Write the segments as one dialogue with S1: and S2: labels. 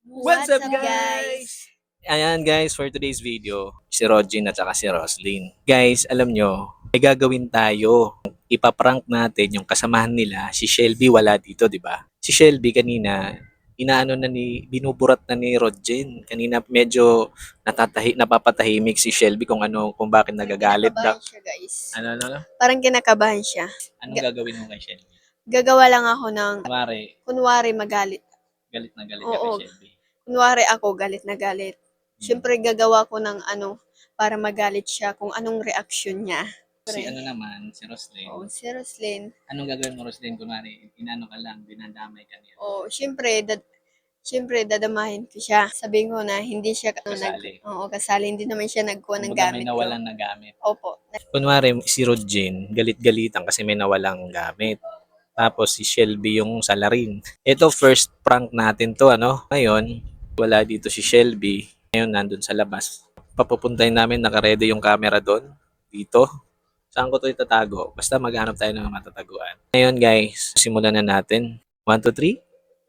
S1: What's up, guys? Ayan guys, for today's video, si Rogin at saka si Roslyn. Guys, alam nyo, may gagawin tayo. Ipaprank natin yung kasamahan nila. Si Shelby wala dito, di ba? Si Shelby kanina, binuburat na ni Rogin. Kanina medyo napapatahimik si Shelby kung bakit nagagalit daw.
S2: Kinakabahan siya, guys.
S1: Ano?
S2: Parang kinakabahan siya.
S1: Anong gagawin mo kay Shelby?
S2: Gagawa lang ako ng,
S1: Kunwari,
S2: magalit.
S1: galit na galit ka
S2: Oo.
S1: kay Shelby.
S2: Kunwari ako, galit na galit. Siyempre, gagawa ko ng para magalit siya kung anong reaksyon niya.
S1: Si si Roslyn.
S2: Oo, si Roslyn.
S1: Anong gagawin mo, Roslyn? Kunwari, inano ka lang, dinadamay ka niya.
S2: Oo, siyempre, dadamahin ko siya. Sabihin ko na hindi siya
S1: Kasali.
S2: kasali. Hindi naman siya nagkuha ng
S1: Kumbaga
S2: gamit
S1: may nawalan na gamit.
S2: Opo.
S1: Kunwari, si Rodjin, galit-galitan kasi may nawalang gamit. Tapos si Shelby yung salarin. Ito, first prank natin to, ano? Ngayon, wala dito si Shelby. Ngayon, nandun sa labas. Papupuntahin namin, nakaredy yung camera doon. Dito. Saan ko to itatago? Basta maghanap tayo ng matataguan. Ngayon guys, simulan na natin. 1, 2, 3.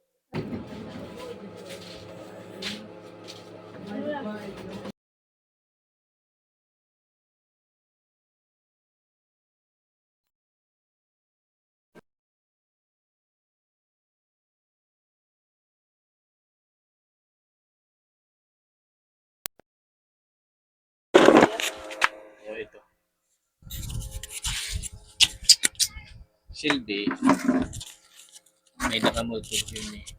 S1: Ito. Shelby, may nakamoto yun eh.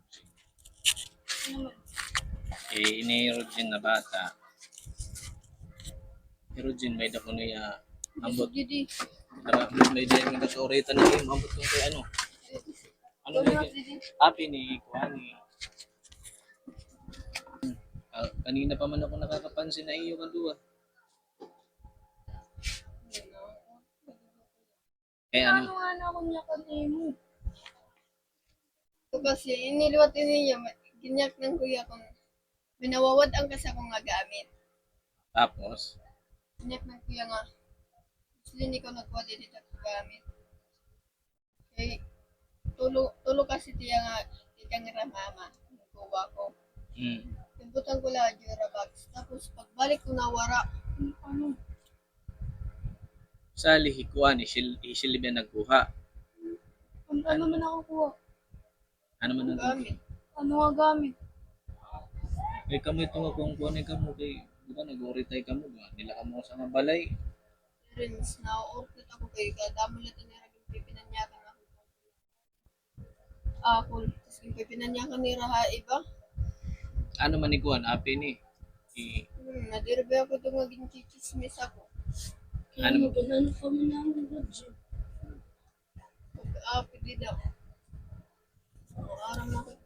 S1: Ini-Rodjin na bata. Rodjin, may dako niya ambot. Tara, may dahil nga sa orita na yung ambot kung kay ano. Ano na yun? Happy ni Kuhani. Kanina pa man ako nakakapansin na iyo kanduwa.
S3: Ano nga na akong nakatimo?
S2: Kasi iniliwat niya, ginyak ng kuya ko. Minawawad ang kasi akong nga gamit.
S1: Tapos,
S2: Ginyak ng kuya nga. Gusto hindi ko nagkuha dito ako gamit. Okay. Tulo kasi tiya nga, tiya nga mama. Nagkuha ko. Timbutan ko lang yung box. Tapos pagbalik ko nawara. Ano?
S1: sa lihikuan, Shelby nagkuha.
S3: Ano man ako kuha?
S1: Ano man ang
S2: Gamit.
S3: Ano nga gamit?
S1: kay kamo ito nga kung kuha ka mo kay, di ba nag-oritay ka mo ba? Nila ka mo sa mga balay.
S2: Rins, na-orpit ako kay kadamo na tinira yung pipinanyakan ako. Ako, tapos yung pipinanyakan ni Raha iba.
S1: Ano man ni kuan, api ni.
S2: Nadirbe ako itong maging chichismis ako.
S1: Ano?
S3: Ano ka mo na ang budget?
S2: Pag-api din ako. Aram na ako.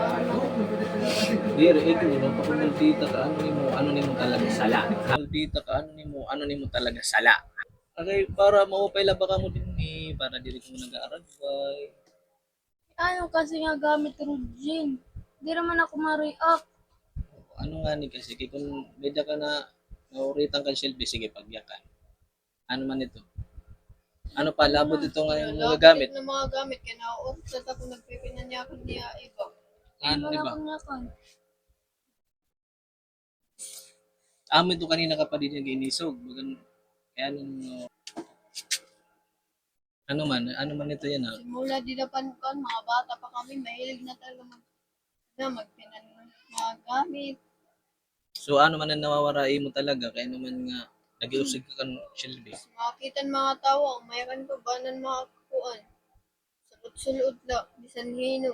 S1: Dire ito no kung nagdita ka ano nimo talaga sala. Nagdita ka ano nimo talaga sala. Okay, para maupay la baka mo din ni para dili ko nag-aaral bay.
S3: Ano kasi nga gamit Rujin? Di naman ako ma-react.
S1: Ano nga ni kasi kay kung medya ka na nauritan ka Shelby sige pagyakan. Ano man ito? Ano pa labot ito nga yung mga gamit?
S2: Ng mga gamit, kaya na-orpit ako nagpipinanyakan niya iba.
S1: Ano di ba?
S3: Kanyakan.
S1: Amo ito kanina ka pa din ginisog. Kaya ano man ito yan ha?
S2: Simula dinapan ko, mga bata pa kami, mahilig na talaga magpinan mga gamit.
S1: So ano man ang nawawarai mo talaga kaya naman nga nagiusig ka kan Shelby.
S2: Makitan mga tao, mayroon ko banan mga kuan. Sulod lang, bisan hino.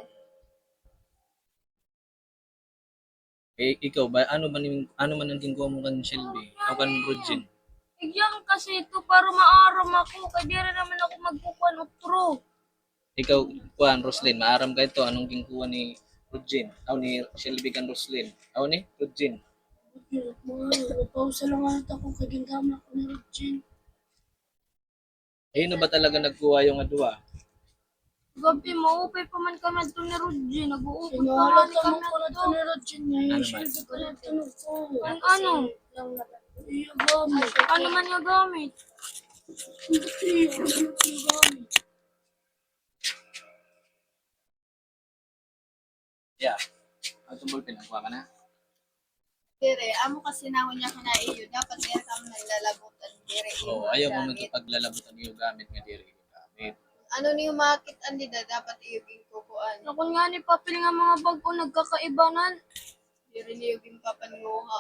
S1: Ikaw ba ano man ang ginagawa mo kan Shelby? O kan Rujin?
S3: Igyan kasi ito para maaram ako. Kaya di rin naman ako magkukuhan o pro.
S1: Ikaw kuan Roslyn, maaram ka ito anong ginagawa ni Rujin? Aw ni Shelby kan Roslyn? Aw ni Rujin?
S3: Pausa lang ako kaging gamit ko ni Rujin.
S1: Ayun na ba talaga nagkuha yung adwa?
S3: Gabi, maupay pa man kami ito ni Rujin. Nag-uupot pa man kami ito ni Rujin.
S1: Ano man?
S3: Ano? Ano man yung gamit?
S1: Yeah. Itong ballpen, nakuha ka na?
S2: Dire, amo kasi na niya ka na iyo. Dapat dire ka mo naglalabutan. Dire,
S1: Oo, ayaw mo magpaglalabutan yung gamit nga diri yung gamit.
S2: Ano niyo makit andi da dapat iyo kukuan.
S3: Nakon nga ni papel nga mga bag ko nagkakaibanan.
S2: Dire niyo papanguha.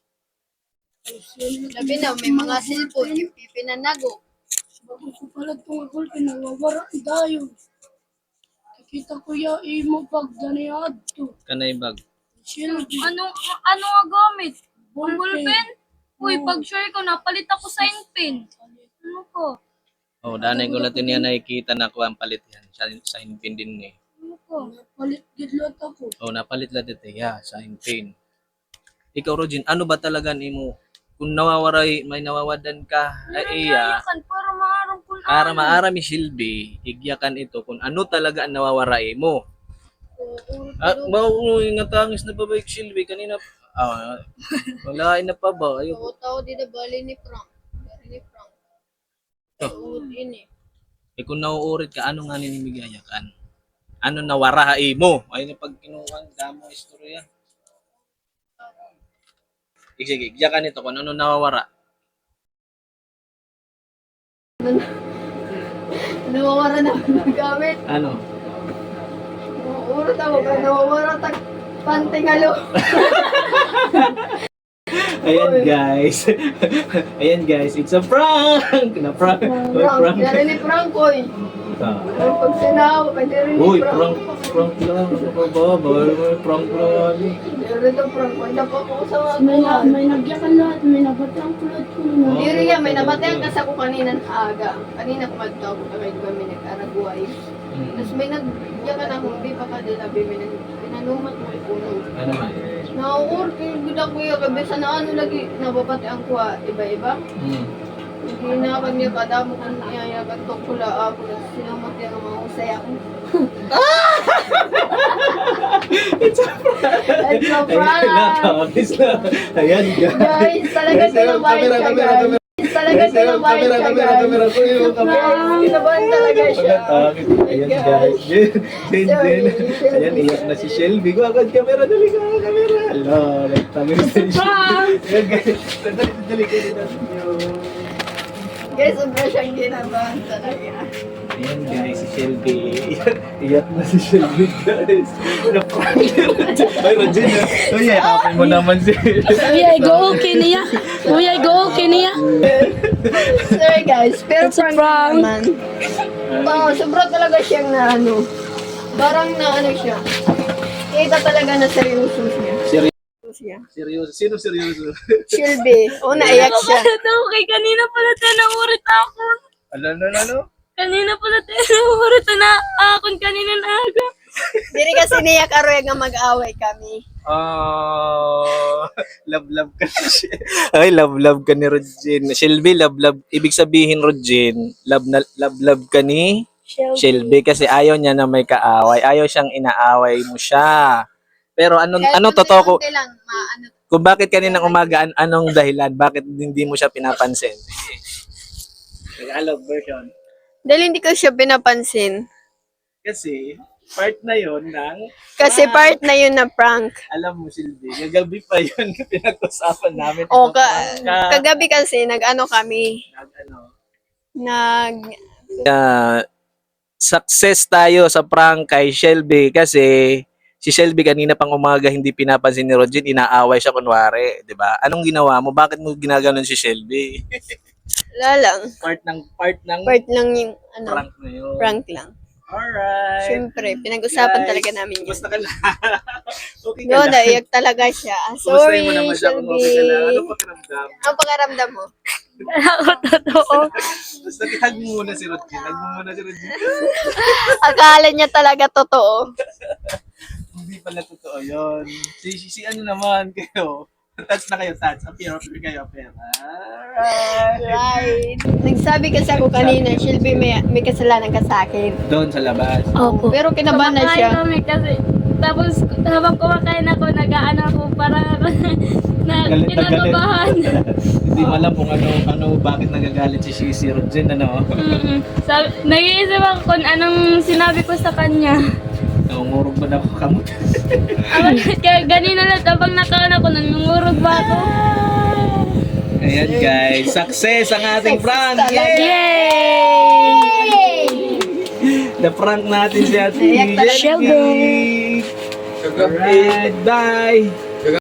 S2: Labi na may mga cellphone yung pipinanago.
S3: Bago ko pala itong agol, pinawawara tayo. Nakita ko ya imo pag ganyan to.
S1: Kanay bag.
S3: Ano nga gamit? Ballpen? Uy, pag sure ko, napalit ako sign pen. Ano ko?
S1: Oh, danay ko natin yan nakikita na ko ang palit yan. Sign pin din eh.
S3: Ano ko? Napalit gidlot ako.
S1: Oh, napalit lang dito. Yeah, sign pin. Ikaw, Rogin, ano ba talaga nimo? Kung nawawaray, may nawawadan ka, ay iya,
S3: Nanayakan para maharap ko na.
S1: para maarami silbi, igyakan ito kung ano talaga ang nawawaray mo. At ingatangis na ba ba yung silbi kanina? Wala na pa ba? Ayun.
S2: Tao di na bali ni Frank. Bali ni Frank. Uud ini.
S1: Eh kung nauurit ka, ano nga ninimigayakan? Ano nawarahay mo? Ay na pag kinuha, damo istorya. Sige, igyakan ito kung ano nawawara.
S2: Nawawara na ako ng gamit.
S1: Ano?
S2: Nawawara tao ka. Nawawara tag pantingalo.
S1: Ayan guys. Ayan guys, it's a prank! Na-prank. Uy,
S2: Frank.
S1: prank.
S2: Dari ni Frank oy.
S1: Ah.
S2: Pag sinaw, kay dari ni
S1: Uy,
S2: Frank.
S1: prank lang. Ano ka ba? Bawal mo yung prank lang.
S2: Dari to Frank. Wala pa ko sa
S3: May nagyakan lahat, may nabatang kulot ko na.
S2: Diri ya, may nabatayan kasi ako kanina aga. Kanina kumadto ako kay kami nag-araguay. Tapos may nagyakan ako, di pa kadilabi, may pinanumat mo ipuno.
S1: Ano man?
S2: Nauur, gud ako yung gabi sa naano lagi, nababati ang kuha, iba-iba. Hindi na kami kadamo kung iyayagan to kula ako, sinamat yan ang mga usay ako.
S1: It's a prank!
S2: It's a
S1: Ayan,
S2: prank!
S1: nakakabis na. Ayan guys.
S2: Guys, talaga kinabahan siya guys. Talaga kinabahan siya guys.
S1: Kamera ko yung kamera.
S2: Kinabahan talaga siya.
S1: Ayan guys. Din. Ayan, iyak na si Shelby. Agad kamera, dali ka, kamera. Hala, nagtamit si Shelby. Ayan guys, dali ka dito.
S2: Guys, sobra siyang kinabahan talaga.
S1: Ayan guys, si Shelby. Iyak na si Shelby guys. Na-prank ni Roger. Ay, Roger na. Uy, yakapin mo naman si...
S3: Kuya, go okay niya. Kuya, go okay niya.
S2: Sorry guys, pero
S3: It's a
S2: prank
S3: prank.
S2: naman. Oo, sobra talaga siyang na ano. Parang na ano siya. Kita talaga na seryoso siya.
S1: Seryoso? Sino seryoso?
S2: Shelby. O, naiyak siya.
S3: Okay, kanina pala tayo naurit ako.
S1: Ano?
S3: Kanina pala tayo naurit na akon kanina na aga.
S2: Diri kasi niya karoy nga mag-away kami.
S1: Love ka na siya. Ay, love ka ni Rodjin. Shelby, love. Ibig sabihin, Rodjin, love ka ni Shelby kasi ayaw niya na may kaaway. Ayaw siyang inaaway mo siya. Pero anong totoo ko?
S2: Okay lang, maano.
S1: Kung bakit kaninang umaga, anong dahilan? Bakit hindi mo siya pinapansin? Tagalog version.
S2: Dahil hindi ko siya pinapansin.
S1: Kasi, part na yon ng...
S2: Kasi part na yun na prank.
S1: Alam mo, Sylvie, gagabi pa yun na pinag-usapan namin.
S2: O, kagabi kasi, nag-ano kami.
S1: Success tayo sa prank kay Shelby kasi si Shelby kanina pang umaga hindi pinapansin ni Roger, inaaway siya kunwari, 'di ba? Anong ginawa mo? Bakit mo ginaganon si Shelby?
S2: Wala lang.
S1: part ng
S2: Part lang yung, ano,
S1: prank na yun.
S2: prank lang.
S1: Alright.
S2: Siyempre, pinag-usapan
S1: Guys,
S2: talaga namin yun.
S1: Kumusta ka lang? Okay ka
S2: No,
S1: lang?
S2: naiyak talaga siya.
S1: Kumustahin
S2: Sorry,
S1: mo naman siya kung
S2: Shelby.
S1: okay ka lang. Ano pakiramdam?
S2: Ang pakaramdam mo?
S3: Ako totoo.
S1: Basta hag mo muna si Roger. Hag mo muna si Roger.
S2: Akala niya talaga totoo.
S1: Hindi pala totoo yun. Si ano naman kayo? Touch na kayo, touch. Appear kayo, appear. Alright.
S2: Right. Nagsabi kasi ako kanina, Shelby, may kasalanan ka sa akin.
S1: Doon sa labas.
S3: Opo.
S2: Pero kinabahan na
S3: Kumakain
S2: siya.
S3: kami kasi, tapos habang kumakain ako, nag-aano ako, parang ako na
S1: Galit na
S3: kinakabahan.
S1: Hindi mo alam kung ano, bakit nagagalit si Roger, ano?
S3: Nag-iisip ako kung anong sinabi ko sa kanya.
S1: Nangungurog ba na ako kamot?
S3: Kaya ganina lang, habang nakaano ko, nangungurog ba ako?
S1: Ayan guys, success ang ating prank! Yay!
S3: Yay!
S1: Na-prank natin si Ate
S2: Iyak talaga.
S1: Shelby! Alright, bye!